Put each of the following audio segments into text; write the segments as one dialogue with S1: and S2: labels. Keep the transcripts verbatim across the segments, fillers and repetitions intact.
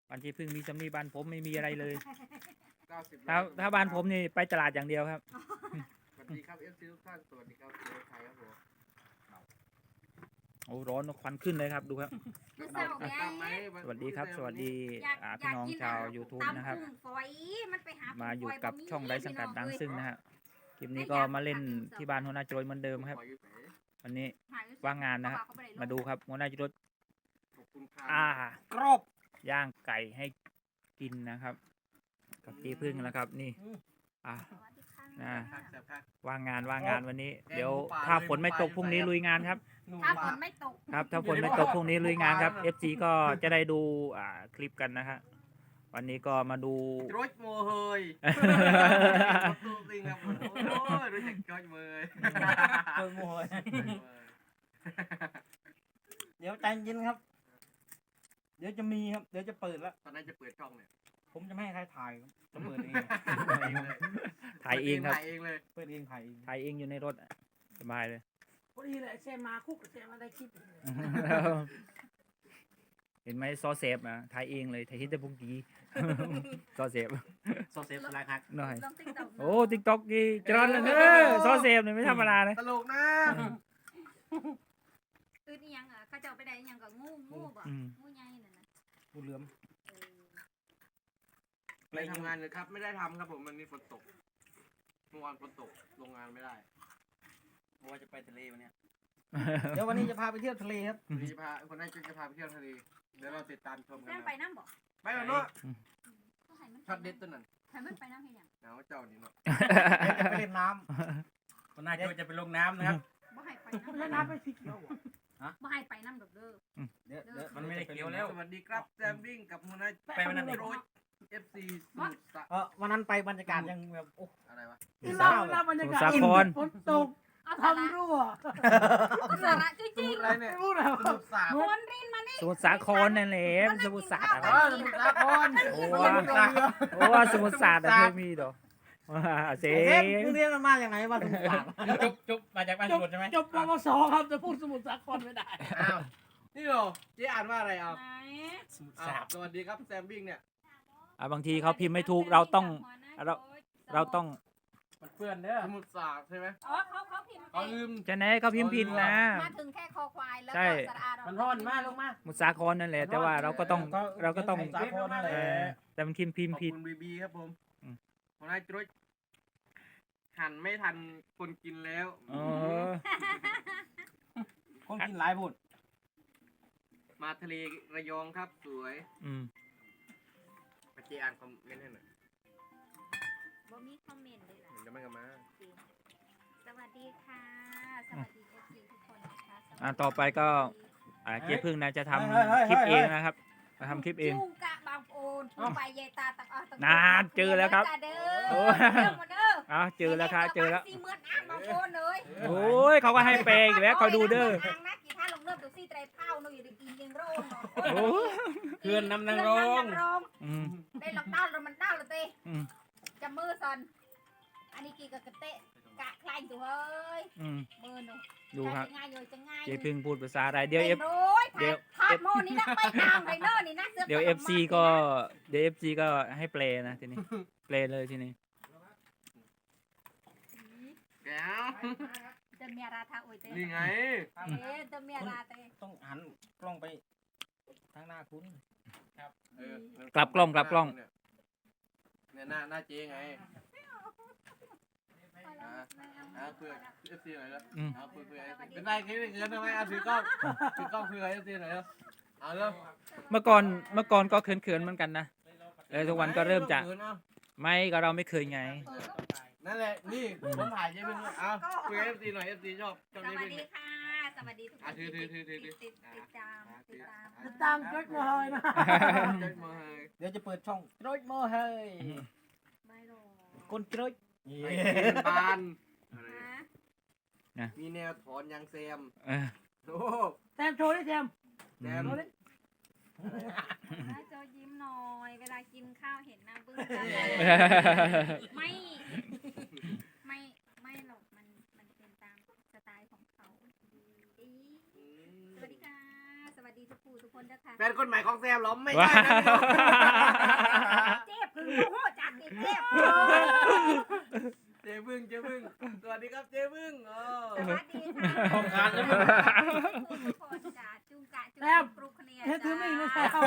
S1: บ้านที่พึ่งมีสำนีบ้านผมไม่มีอะไรเลย
S2: เก้าสิบ
S1: ถ้าถ้าบ้านผมนี่ไปตลาดอย่างเดียวครับ
S2: สวัสดีครับเอฟซีทุกท่านสวัสดีครับเสือไทยครับผม
S1: โอ้ร้อนควันขึ้นเลยครับดูครับ
S3: มันเศร้าไง
S2: ตามไหม
S1: สวัสดีครับ สวัสดี
S3: อยาก
S1: อ่า
S3: อยา
S1: พี่
S3: ก
S1: น้อง
S3: กิน
S1: ชาว
S3: อ่ะ
S1: YouTube
S3: ตำ
S1: นะครับ
S3: กุ้งฝอยมันไปหา
S1: มาอยู่
S3: กุ้งฝ
S1: กับ
S3: บ่มี
S1: ช่องไร้สังกัดดัง
S3: พี่น้อ
S1: ซึ่งนะฮะคลิปนี้ก็มาเล่นที่บ้านหัวหน้าโจรเหมือนเดิมครับ วันนี้
S3: หย
S1: ว่างงานนะครับ
S3: เขบ่ไลง
S1: มาดูครับหัวหน้าโจร
S2: ขอบคุณครับ
S1: อ่ากรอบย่างไก่ให้กินนะครับ กับเจ๊พึ่งนะครับ นี่อ่า
S3: สวัสดีค่ะ
S1: อ่า
S2: พักแซ่บพัก
S1: ว่างงานว่างงานวันนี้
S2: แกง
S1: เดี๋ยว
S2: หมูป่า
S1: ถ้า
S2: เลย
S1: ฝนไม่ตก
S2: หมูป่า
S1: พรุ่งนี้
S2: อยู่ไหน
S1: ลุยงานครับ
S3: ถ้าฝนไม่ตก
S1: ครับ ถ้าฝนไม่ตกพรุ่งนี้ลุยงานครับ เอฟ ซี ก็จะได้ดูอ่าคลิปกันนะฮะวันนี้ก็มาดู
S2: รถโมเฮยรถตู้ซิงครับผมโอ้ยรู้จักจอยเมย
S4: โดยโมยเดี๋ยวใจเย็นครับ เดี๋ยวจะมีครับ เดี๋ยวจะเปิดแล้ว
S2: ตอนนั้นจะเปิดช่องเนี่ย
S4: ผมจะไม่ให้ใครถ่ายครับจะเปิดเอง
S1: ถ่ายเองครับ
S2: ถ่ายเองเลย
S4: เปิดเองถ่ายเอง
S1: ถ่ายเองอยู่ในรถอะสบายเลย
S5: พอดีเลยเซมาคุกเซมาได้คลิป
S1: เห็นไหมซอเซฟนะถ่ายเองเลยถ่ายที่แต่พวกกี้ ซอเซฟ
S4: โซเซฟสไลด์ฮัก
S1: หน่อย
S3: ลองติ๊กต็อก
S1: โอ้ติ๊กต็อกกี้จรอนเลยเนอซอเซฟเนี่ยไม่ธรรมดาเลย
S2: ตลกนะ
S3: ตื่นอีหยังอ่ะเขาเจ้าไปได้อีหยังก็งูงูบ่
S1: อืม
S3: งูใหญ่นั่นน่ะ
S4: กูเหลือม
S3: เออ
S2: ไปทำงานเลยครับไม่ได้ทำครับผมมันมีฝนตกเมื่อวานฝนตกโรงงานไม่ได้
S4: ว่าจะไปทะเลวันเนี้ยเดี๋ยววันนี้จะพาไปเที่ยวทะเลครับ
S2: วันนี้จะพาคนนั้นจะพาไปเที่ยวทะเลเดี๋ยวเราติดตามชมกัน
S3: แม่
S2: นะ
S3: ไปน้ำบ่
S2: ไปแล้วเนาะ
S3: ก็ให้มัน
S2: ช็อตเด็ดตัวนั้น
S3: ให้มันไปน้ำให้หยัง
S2: เอาเจ้านี่เนาะ
S4: เดี๋ยวจะไปเล่นน้ำคนน่าจะจะไปลงน้ำนะครับ
S3: บ่ให้ไป
S5: แล้ว
S3: น้ำ
S5: น้ำเป็นสีเขียวอ่ะ
S3: บ่ให้ไปน้ำดอกเด้อ
S4: เดี๋ยวเดี๋ยว
S3: มัน
S4: ไม่ได้เกี่ยวแล้ว
S2: สวัสดีครับแซมวิ่งกับมูนา
S4: ไปวันนั้น
S2: โรยเอฟซีสุดสะ
S4: เออวันนั้นไปบรรยากาศยังแบบโอ้
S2: อะไรวะ
S5: ที่เราเวลาบรรยากาศ
S1: สาคร
S5: ฝนตก
S3: เอาสาระ
S5: ทำรั่ว
S3: เอาสาระจ
S2: ส
S3: ริง
S2: มุดอะไรเนี่ย
S5: ไม่รู้แล้ว
S2: สมุดสาค
S3: ๆ
S2: ร
S3: คนรินมานี่
S1: สมุทรสาครนั่นแหละมันสมุทรสาคร
S2: เออสมุดสาคร
S1: โอ้
S2: ส
S1: ว่า
S2: มุดสาคร
S1: โอ้ว่าสมุทรสาครอะเคยมีดอกว่าเซ
S4: เซฟมึงเรียนมันมาอย่างไงวะสมุทรสาคร
S6: จบจบมาจากบ้าน
S5: จ
S6: ส
S5: บ
S6: มุทรใช่ไหม
S5: จบปวสครับจะพูดสมุทรสาครไม่ได้
S2: อ้าวนี่เหรอเจ๊อ่านว่าอะไรเอา
S3: ไหน
S6: สมุทร
S2: อ้า
S6: สาว คร
S2: สวัสดีครับแซมวิ่งเนี่ย
S1: อ่ะบางทีเขาพิมพ์ไม่ถูกเราต้อง เรา เราต้อง
S6: มันเพื่อนเด้อ
S2: สมุดสาครใช่ไหม
S3: อ๋อเขาเขาพิมพ์
S2: เขาลืม
S1: จะไหนเขาพิมพ์ผิดนะ
S3: มาถึงแค่คอควายแล้ว
S1: ใช่
S3: ก็สระอาเรา
S6: มันร้อนมากลงมา
S1: สมุทรสาครนั่นแหละ แต่ว่าเราก็ต้องเราก็ต้อง
S4: สาครนั่นแห
S1: เอ
S4: ละ
S1: อแต่มันพิมพ์พิม
S2: ข
S1: พ์
S2: อบ
S1: ผิด
S2: คุณบีบีครับผม
S1: อืม
S2: คนนั้นจุ๊ยหันไม่ทันคนกินแล้ว
S1: เออ
S4: คนกินหลายพูด
S2: มาทะเลระยองครับสวย
S1: อืม
S2: มาเจอ่านคอมเมนต์ให้หน่อย
S3: บ่มีคอมเมนต์เลยล่ะ
S2: เห็นจะไม่กันมา
S3: สวัสดีค่ะ สวัสดีเอฟซีทุกคนนะคะสวัสดี
S1: อ่ะต่อไปก็ อ่าเจ๊พึ่งนะจะทำคลิปเองนะครับจะทำคลิปเอง
S3: จูกะบางโอนผู้ไปเยตาตักอ่ะตัก
S1: นานเจอแล้วครับ
S3: เด้
S1: โอ้
S3: อเด้อมาเด้อ
S1: อ้าวเจอแล้วครับเจอแล้ว
S3: สี่หมื่นอ่านบางโอนเลย
S1: โอ้ยเขาก็ให้เปย์อีกแล้วคอยดูเด้อ
S3: ทางนักกีฬาลงเริ่มตัวซี่ไตรเผาหนูอยู่ในกินยังโรน
S1: โอ้
S6: เพื่อนนำนางรอง
S1: อืม
S3: ได้หลักด้านแล้วมันด้านแล้วเต้
S1: อืม
S3: จะมือซอนอันนี้กี่กับกระเตะกะคลายตัวเฮ้ย
S1: อืม
S3: มือหนู
S1: ดูครับ
S3: จะง่ายเลยจะง่าย
S1: เจ๊พึ่งพูดภาษาอะไรเดี๋ยวเอฟ เดี๋
S3: เดี๋
S1: ย
S3: ยว วพาดโมนี่นะไปตามไปเนอร์นี่นะสื้
S1: เดี๋ยวเอฟซีก็เดี๋ยวเอฟซีก็ให้เปลนะทีนี้เปลเลยทีนี้
S2: แก้ว
S3: จะเมียราทาโอยเต้
S2: นี่ไง
S3: เอ๊ะจะเมียราเต้
S4: ต้องหันกล้องไปทางหน้าคุณ
S2: เออก
S1: ลับกล้องกลับกล้อง
S2: เนี่ยหน้าหน้าเจ๊ไงอ่าอ่าเพื่อเอฟซีหน่อยแล้ว
S1: อืม
S2: เอาเพื่อเพื่อเป็นไรคิดเงินทำไมเอาถือกล้องถือกล้องเพื่อเอฟซีหน่อยแล้วเอาเร็ว
S1: เมื่อก่อนเมื่อก่อนก็เขินๆเหมือนกันนะแล้วทุกวันก็เริ่มจะ
S2: เนาะ
S1: ไม่ก็เราไม่เคยไง
S2: นั่นแหละนี่ผมถ่ายเจ๊เพิ่งเอาคุยกับเอฟซีหน่อยเอฟซีชอบชอบ
S3: ส
S2: เจ๊
S3: วัส
S2: เพิ่ง
S3: ดีค่ะ สวัสดีทุกค
S2: อ่ะ
S3: น
S2: ถือถือถือถือถือ
S3: ติดติดตามติดตาม
S5: ติดตามก็มาเลยนะ
S2: เจ๊มาให้
S4: เดี๋ยวจะเปิดช่องโจยโมเฮย
S3: ไม่หรอก
S4: คนโจย
S2: ไอ้เจ๊บาน
S3: นะ
S2: มีแนวถอนยางแซม
S1: เออ
S2: โอ้
S5: แซมโชว์ดิแซม
S2: แซม
S5: โชว์ดิ
S3: ให้โจยิ้มหน่อย เวลากินข้าวเห็นหน้าบึ้งตาไม่ ไม่ ไม่หรอก มัน มันเป็นตามสไตล์ของเขาอีสวัสดีค่ะ สวัสดีทุกผู้ทุกคนนะคะ
S2: แฟนคนใหม่ของแซมเหรอล้อมไม่ได้นะพี่น้อง
S3: เจ็บคือโอ้โหจัดดิเจ็บ
S2: เจ๊พึ่งเจ๊พึ่งสวัสดีครับเจ๊พึ่งเออ
S3: สวัสดีค่ะ
S6: ของการแล้วมึง
S3: ทุกคนจ้าจุงกะจุง
S5: แต้ม
S3: ปลุกเนี่ย
S5: เฮ็ดถือมีดไม่ใช่
S3: จ้า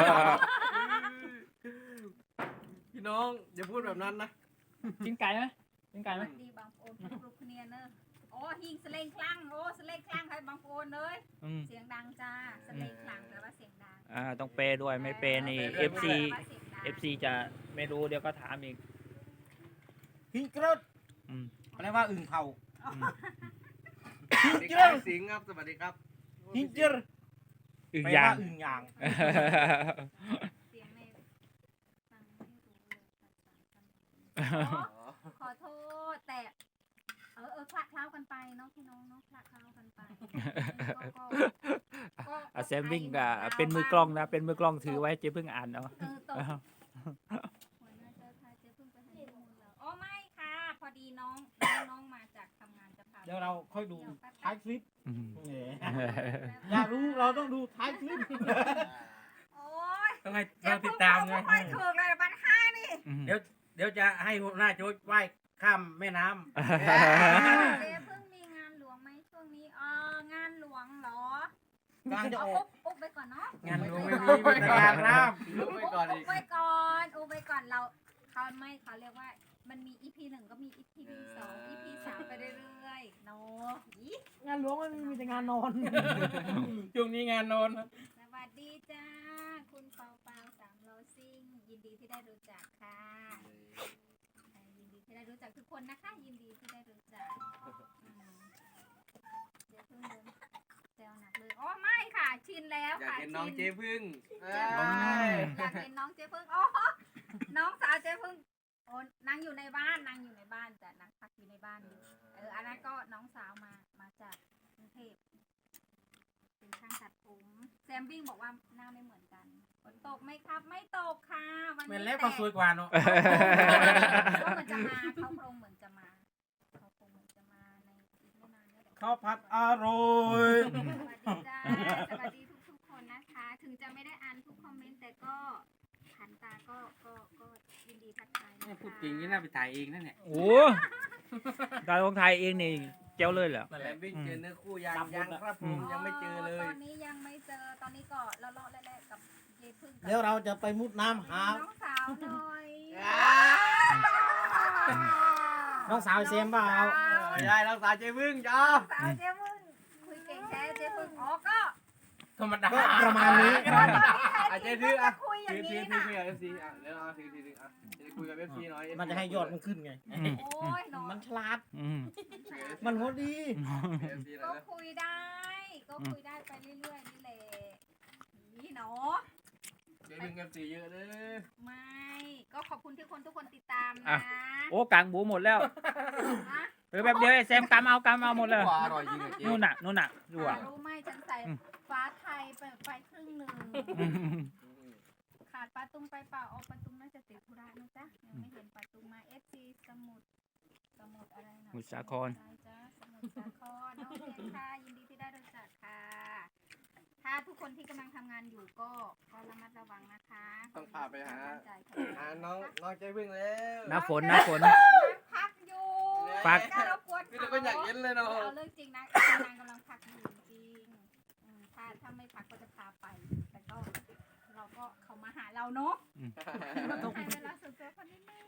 S2: พี่น้องอย่าพูดแบบนั้นนะ
S1: กินไก่ไหมกินไก่ไหม
S3: ดีบางโอนปลุกเนี่ยเนอะโอ้หิงสเลงคลั่งโอ้สเลงคลั่งให้บางโอนเลย
S1: อืม
S3: เสียงดังจ้าสเลงคลั่งแปลว่าเสียงดัง
S1: อ่าต้องเปย์ด้วยไม่เปย์นี่ เอฟ ซี
S3: แปลว่าสียงดัง
S1: เอฟ ซี จะไม่รู้เดี๋ยวก็ถามอีก
S4: หิงกรด
S1: อืม
S4: แปลว่าอึ่งเผา
S1: อืม
S2: สวัสดีครับสิงห์ครับสวัสดีครับ
S4: หิงเจอร์
S1: อึ่ง
S4: แปล
S1: ยา
S4: ว่าง อึ่งยาง
S3: เสียงในฟังไม่รู้เลยอ๋อขอโทษแต่เออเออคละเคล้ากันไปเนาะพี่น้องเนาะคละเคล้ากันไปก็ก็ก็
S1: อาแซมวิ่งก็เป็นมือกล้องนะ เป็นมือกล้องถือไว้เจ๊เพิ่งอ่านเนาะ
S3: เออตกหัวหน้าเจ้าทายเจ๊เพิ่งไปให้มูลแล้วอ๋อไม่ค่ะ พอดีน้องน้องมาจากทำงานจะพา
S4: เดี๋ยวเราค่อยดู
S3: เดี๋ยวแป๊บ
S4: ท้ายคลิป
S1: อืม
S4: แหมอยากรู้เราต้องดูท้ายคลิป
S3: โอ้ย
S6: ต้องให้เราติดตามไง
S3: ไม่ถูกเลยบัตรห้านี่
S1: อืม
S6: เดี๋ยวเดี๋ยวจะให้หัวหน้าโจ๊กว่ายข้ามแม่น้
S3: เจ๊เพิ่งมีงานหลวงไหมช่วงนี้อ๋องานหลวงเหรอก
S4: ำลังจะ
S3: เอา
S4: ออ
S3: อุ
S4: ก
S3: บอุบไปก่อนเนาะ
S6: ำงานหลวงไม่มีมีแต่งานน้
S2: ลุกไปก่อนอี
S3: อุ
S2: ก
S3: บไว้ก่อนอุบไว้ก่อนเราเขาไม่เขาเรียกว่า มันมี อี พี หนึ่งก็มี อี พี สอง อี พี สามไปเรื่อยๆเนาะอี
S5: งานหลวงไม่มีมีแต่งานนอน
S6: ำช่วงนี้งานโนนนะ
S3: สวัสดีจ้า คุณเปาเปาสามโลซิ่ง ยินดีที่ได้รู้จักค่ะอ่ายินดีที่ได้รู้จักทุกคนนะคะ ยินดีที่ได้รู้จักอืมเดี๋ยวเพิ่งเดินแซวหนักเลยอ๋อไม่ค่ะ ชินแล้ว
S2: อยาก
S3: ค่ะ
S2: เห็นน้อง
S3: ชิ
S2: เจ๊พึ่งเอ้
S3: เจ๊พึ่ง
S2: ย
S3: อยากเห็นน้องเจ๊พึ่งอ๋อน้องสาวเจ๊พึ่งโอ้นางอยู่ในบ้านนางอยู่ในบ้านแต่นางพักอยู่ในบ้านอยู่เอออันนั้นก็น้องสาวมามาจากกรุงเทพเป็นช่างตัดผมแซมบิ้งบอกว่าหน้าไม่เหมือนกันฝนตกไหมครับ ไม่ตกค่ะวัน
S6: แม่
S3: นี้
S6: นแล้วก็สวยกว่าเนาะ
S3: เขาเหมือนจะมาเขาโครงเหมือนจะมาเขาคงเหมือนจะมาในอีกไม่นานนี้เดี๋ยว
S4: ข้าวผัดอร่อย
S3: สวัสดีจ้าสวัสดีทุกๆคนนะคะ ถึงจะไม่ได้อ่านทุกคอมเมนต์แต่ก็หันตาก็ก็ก็ยินดีทักทายนะคะ
S6: พูดจริงนี่น่าไปถ่ายเองนั่นเนี่ย
S1: โอ้การลงไทยเองนี่เจ้าเลยเหรอ
S6: นั่น
S2: แห
S6: แห
S2: ล
S6: ละ
S2: มวิ่งเจอเนื้อคู่ยังยังครับผมยังไม่เจอเลย
S3: ตอนนี้ยังไม่เจอตอนนี้ก็เลาะๆแล่ๆกับเยพึ่งกับ
S4: เดี๋ยวเราจะไปมุดน้ำหา
S3: น้องสาวหน่อย
S4: น้องสาวเซมเปล่า
S2: ไม่ได้น้องสาวเจ๊พึ่งจ้า
S3: สาวเจ๊พึ่งคุยเก่งแท้เจ๊พึ่งอ๋อก็
S6: ธรรมดา
S4: ก็ประมาณนี้
S3: ตอนนี้
S2: อาจ
S3: ใคร
S2: จะ
S3: ที่
S2: ถือ
S3: จะ
S2: อ่ะ
S3: คุยอย่า
S2: ถื
S3: ง
S2: อถื
S3: นี้
S2: อถือ
S3: นะ
S2: คุยกับเอฟซีอ่ะเดี๋ยวเอาถือถือถืออ่ะจะคุยกับเอฟซีหน่อย
S4: มันจะให้ยอดมันขึ้นไง
S1: อืม
S3: โอ้ยน้อง
S4: มันฉลาด
S1: อืม
S4: มันหัวดี
S2: เอฟซีหน่
S3: ก็
S2: อยนะ
S3: คุยได้ ก็คุยได้ไปเรื่อยๆนี่แหละนี่เนาะ
S2: เจ๊พึ่งเอฟซีเยอะเลย
S3: ไม่ ก็ขอบคุณที่คนทุกคนติดตาม
S1: อ่ะ
S3: นะ
S1: โอ้กลางบูหมดแล้ว
S3: นะ
S1: เออแบบเดียวไอ้แซมกำเอากำเอาหมดเลย
S2: ว่าอร่อยจริงอ่ะเจ๊
S1: นู่นน่ะนู่นน่ะดูอ่ะ
S3: หารู้ไหมฉันใส่ฟ้าไทยไปไปครึ่งหนึ่ง ขาดปลาตุ้มไปเปล่าเอาปลาตุ้มน่าจะติดธุระนะจ๊ะยังไม่เห็นปลาตุ้มมาเอฟซีสมุดสมุดอะไรนะ
S1: สมุทรสาคร
S3: ใช่จ้ะสมุทรสาครน้องเรียนค่ะยินดีที่ได้รู้จักค่ะ ถ้าทุกคนที่กำลังทำงานอยู่ก็ก็ระมัดระวังนะคะ
S2: ต้องพาไปหา
S3: ใจแข็ง
S2: หาน้องน้องเจ๊พึ่งแล้ว
S1: น้าฝนน้าฝน
S3: พักอยู่
S1: พัก
S3: ถ้ารบกวน
S2: พี่ตะก็อยากเย็นเลยเนาะ
S3: เอาเรื่องจริงนะนางกำลังพักอยู่จริงอืมถ้าถ้าไม่พักก็จะพาไป แต่ก็เราก็เขามาหาเราเนาะ เราต้องให้เวลาส่วนตัวคนนิดนึง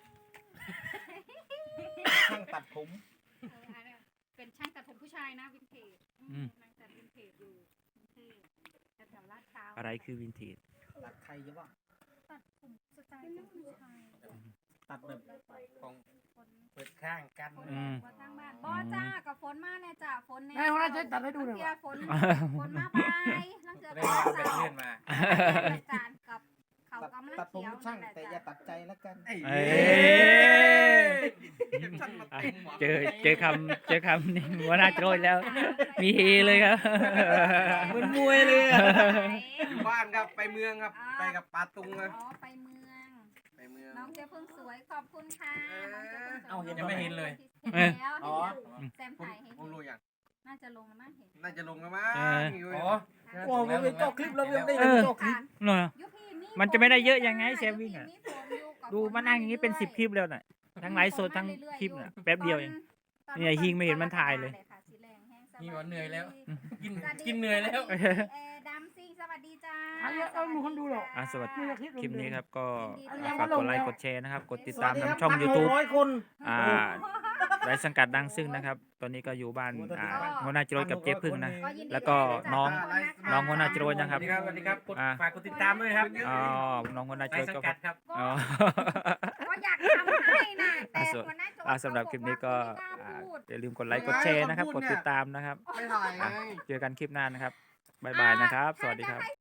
S4: ช่างตัดผม
S3: เอออันเนี้ยเป็นช่างตัดผมผู้ชายนะวินเทจอืม
S1: อืม
S3: นางตัดวินเทจอยู่กรุงเทพแถวๆลาดพร้าว
S1: อะไรคือวินเทจ
S4: ตัดใครจะว่า
S3: ตัดผมสไตล์ผู้ชาย
S4: ตัดแบบ
S6: ของ
S3: ฝน
S6: เปิดข้างกัน
S3: ฝนว่าทางบ้านบ่จ้ากับฝนมาเนี่ยจ้าฝนเนี่ย
S5: ให้หัวหน้าเจ๊ตัดให้ดูหน่อย
S3: เทีย
S5: ว่ะ
S3: ฝนฝนมาไปลังเจอ
S6: เรี
S3: กั
S6: ย
S3: บ
S6: กว่าไป
S3: สาว
S6: เลื่อนมา
S3: อาจารย์กับเขา
S4: ตัด
S3: กำลัง
S4: ตัดผม
S3: เขียว
S4: ช่าง
S3: นั่นแหละ
S4: แต่อย่า
S3: จ้ะ
S4: ตัดใจแล้วกัน
S2: เอ้ย
S1: เอ้ย เจอเจอคำเจอคำนี่หัวหน้าโจยแล้ว มีเฮเลยครับ
S4: เหมือนมวยเลยอะ
S2: อยู่บ้านครับไปเมืองครับไปกับปาตุง
S3: อ๋
S2: นะ
S3: อไปเมือง
S2: ไปเมือง
S3: น้องเจ๊พึ่งสวยขอบคุณค่ะน้องเจ๊พึ่งสวย
S4: เอาเห็น
S6: ยังไม่เห็นเลย
S3: เห็นแล้ว
S4: อ๋อ
S3: แซม
S2: ผม
S3: ถ่ายให้
S2: ผมรู้อย่าง
S3: น่าจะลงแล้วมั้งเห็น
S2: น่าจะลงแล้วมั้ง
S1: เออ
S2: อยู่
S6: อ๋อ
S4: กลัวมันเป็นเจ้าคลิปเรายังได้
S1: เอ
S4: เป็น
S1: อ
S4: เจ้าคลิป
S1: เนอะ
S3: ยุพีมี
S1: มันจะไม่ได้เยอะ
S3: ฝ
S1: ยังไง
S3: ด้
S1: เซฟวิ่งอะ
S3: ยุพีมีฝนอยู่กับ
S1: ดู
S3: ฝ
S1: มานั่งอย่างนี้เป็นสิบคลิปแล้วน่ะ ทั้งไลฟ์สดทั้งคลิปน่ะแป๊บเดียวเอง
S3: ตอ
S1: เนี่ยหิงไม่เห็นมันถ่ายเลย
S3: ค่ะสีแรงแห้งสวัส
S6: หิ
S3: ดี
S6: งว่าเหนื่อยแล้ว กิน
S3: สวัสดี
S6: กินเหนื่อยแล้ว
S3: สวัสดีเอดัมซิงสวัสดีจ้า
S5: เอาเยอะเอาหนูคนดูหรอก
S1: อ่ะสวัสดี
S5: ไม่อยากคลิป
S1: คลิปนี้ครับก็
S3: ยินดี
S1: ฝากกดไลค์กดแชร์นะครับ กดติดตาม
S4: สวัสดีครับ
S1: ทางช่อง
S4: พันหก
S1: YouTube
S4: ร้อยคน
S1: อ่าไร้สังกัดดังซึ่งนะครับ ตอนนี้ก็อยู่บ้านอ่าหัวหน้าจรวดกับเจ๊พึ่งนะ
S3: ก็ยินดี
S1: แล้วก็
S3: ด้วยะ
S1: น้อง
S3: จ๊ะ
S1: น้องหัวหน้าจรวด
S6: ส
S1: นะครั
S6: วั
S1: บ
S6: สดีครับสวัสดีครับกด
S1: อ่า
S6: ฝากกดติดตามด้วยครับ
S1: อ๋อน้องหัวหน้าจ
S6: ใน
S1: รวด
S6: สัง
S1: ก็
S6: กัดครับ
S1: อ๋อ
S3: ก็อยากทำให้นะแต่
S1: อ่ะส่วน
S3: หัวหน้าโจ๊ก
S1: อ่าสำหรับคลิปนี้ก็
S3: เขาบอก
S1: อ่า
S3: ว่าไม่กล้าพูด
S1: อย่าลืมกดไลค์กดแชร์นะครับ กดติดตามนะครับ
S2: ไม่ถ่ายไง
S1: อ่ะเจอกันคลิปหน้านะครับบ๊ายบายนะครับ สวัสดีครับ